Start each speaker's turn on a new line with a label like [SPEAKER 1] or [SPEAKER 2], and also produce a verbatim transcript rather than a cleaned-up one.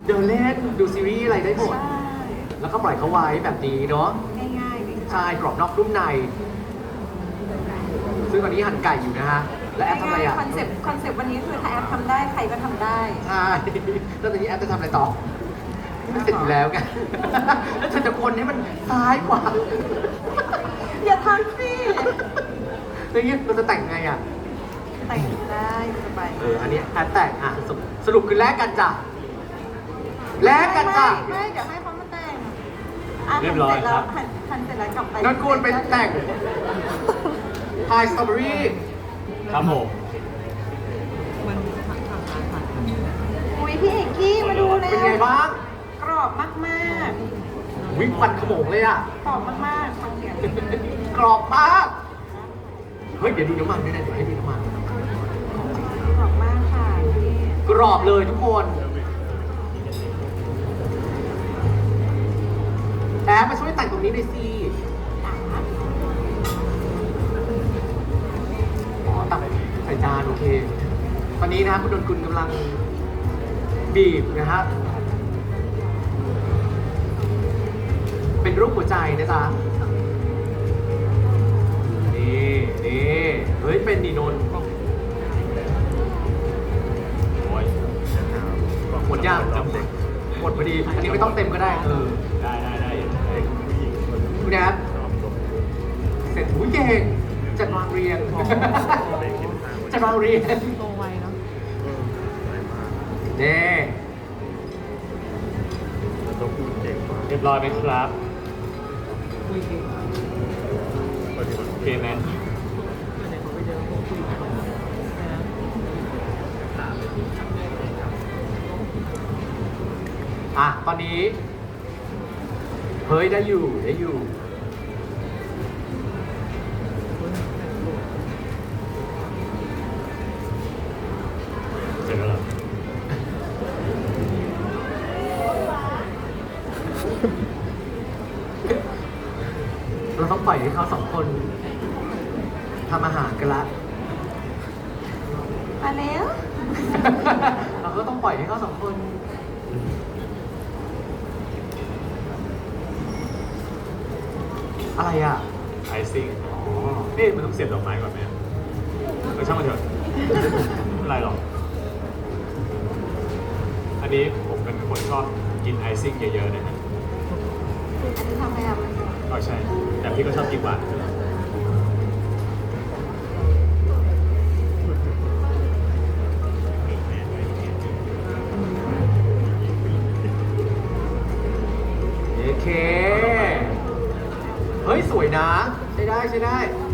[SPEAKER 1] เดินเล่นดูซีรีส์อะไรได้หมด
[SPEAKER 2] ใช่
[SPEAKER 1] แล้วก็ปล่อยเขาไว้แบบนี้เนาะ
[SPEAKER 2] ง่ายๆเลยค่ะ
[SPEAKER 1] ใช่กรอบนอกนุ่มใน ซึ่งตอนนี้หั่นไก่อยู่นะฮะ และแอปทำอะไร
[SPEAKER 2] ง่าย
[SPEAKER 1] อ่ะ
[SPEAKER 2] ๆคอนเซ็ปต์คอนเซ็ปต์วันนี้คือถ้าแอปทำได้ใครก็ทำได้
[SPEAKER 1] ใช่แล้วตอนนี้แอปจะทำอะไรต่อไม่เสร็จอยู่แล้วไง แล้วเธอจะคนให้มันซ้ายกว่า
[SPEAKER 2] อย่าทำสิ
[SPEAKER 1] แล้วอย่างเงี้ยเราจะแต่งไงอ่ะ
[SPEAKER 2] แต่งได้สบาย
[SPEAKER 1] เออ อันนี้แอปแต่งอ่ะสรุปสรุปคือแลกกันจ้ะ แลกกันจ้ะ
[SPEAKER 2] ไม่ไม่เดี๋ยวให้เขามาแต่งะ
[SPEAKER 3] เรียบร้อยครับ
[SPEAKER 2] หั่นหั่นเสร็จแล้วกลับไป
[SPEAKER 1] นนกูลเป็นแต่งพายสตรอเบอรี่
[SPEAKER 3] ครับผม
[SPEAKER 2] อุ้ยพี่เอกกี้มาดูเลย
[SPEAKER 1] เป็นไงบ้าง
[SPEAKER 2] กรอบมาก
[SPEAKER 1] วิควันขโมงเลยอ่ะ
[SPEAKER 2] ๆกรอบมากๆฟังเสียง
[SPEAKER 1] กรอบมาก เฮ้ย เดี๋ยวดูน้ำมันด้วยนะเดี๋ยวให้ดูน้ำมัน
[SPEAKER 2] กรอบมากค่ะพี่
[SPEAKER 1] กรอบเลยทุกคน แอปมาช่วยแต่งตรงนี้หน่อยสิ อ๋อตักใส่จานโอเค ตอนนี้นะครับคุณดนกุลกำลังบีบนะฮะ เป็นรูปหัวใจนะจ๊ะ นี่นี่เฮ้ย เป็นนีนนท์
[SPEAKER 3] โอ้ย
[SPEAKER 1] หมดย่างหมดพอดี อันนี้ไม่ต้องเต็มก็ได้เออ
[SPEAKER 3] ได้ได้ได้ได้ผู้หญิงคน
[SPEAKER 1] คุณแอปเสร็จหูยเก่งจัดวางเรียงจัดวางเรียง
[SPEAKER 4] โตไวเนาะ
[SPEAKER 1] เน่
[SPEAKER 3] เรียบร้อยไหมครับ
[SPEAKER 4] คุยเก่ง
[SPEAKER 3] โอเคไหม
[SPEAKER 4] ไหนเขาไปเจอพวกคุยกันนะ
[SPEAKER 1] อ่ะ ตอนนี้ เฮ้ย ได้อยู่ ได้อยู่
[SPEAKER 3] เสร็จแล้วเหรอ
[SPEAKER 1] เราต้องปล่อยให้เขาสองคนทำอาหารกันละ
[SPEAKER 2] มาแล้ว
[SPEAKER 1] เราก็ต้องปล่อยให้เขาสองคน อะไรอ่ะ
[SPEAKER 3] ไอซิ่งอ๋อเอ๊ะมันต้องเสียบดอกไม้ก่อนไหมเออช่างมันเถอะไม่เป็นไรหรอก อันนี้ผมเป็นคนชอบกินไอซิ่งเยอะๆนะฮะ
[SPEAKER 2] อันนี้ทำไงอ่ะมัน
[SPEAKER 3] ก็ใช่ แต่พี่ก็ชอบกินหวานอยู่แล้ว
[SPEAKER 1] โอเค เฮ้ย สวยนะ ใช้ได้ ใช้ได้